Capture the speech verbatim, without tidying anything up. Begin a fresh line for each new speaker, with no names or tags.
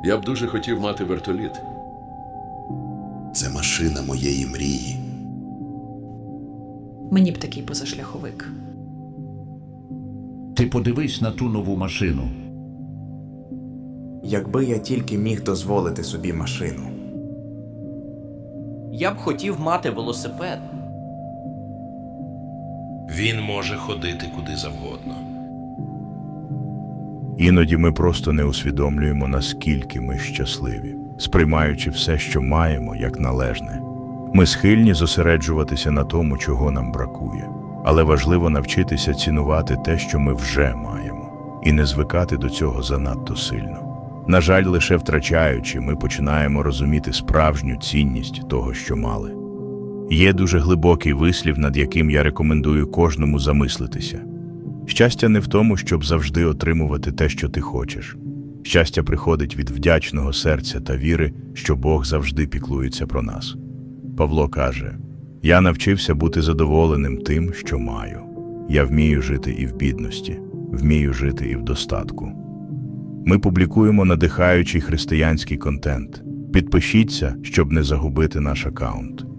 Я б дуже хотів мати вертоліт.
Це машина моєї мрії.
Мені б такий позашляховик.
Ти подивись на ту нову машину.
Якби я тільки міг дозволити собі машину.
Я б хотів мати велосипед.
Він може ходити куди завгодно.
Іноді ми просто не усвідомлюємо, наскільки ми щасливі, сприймаючи все, що маємо, як належне. Ми схильні зосереджуватися на тому, чого нам бракує. Але важливо навчитися цінувати те, що ми вже маємо, і не звикати до цього занадто сильно. На жаль, лише втрачаючи, ми починаємо розуміти справжню цінність того, що мали. Є дуже глибокий вислів, над яким я рекомендую кожному замислитися. Щастя не в тому, щоб завжди отримувати те, що ти хочеш. Щастя приходить від вдячного серця та віри, що Бог завжди піклується про нас. Павло каже: «Я навчився бути задоволеним тим, що маю. Я вмію жити і в бідності, вмію жити і в достатку». Ми публікуємо надихаючий християнський контент. Підпишіться, щоб не загубити наш аккаунт.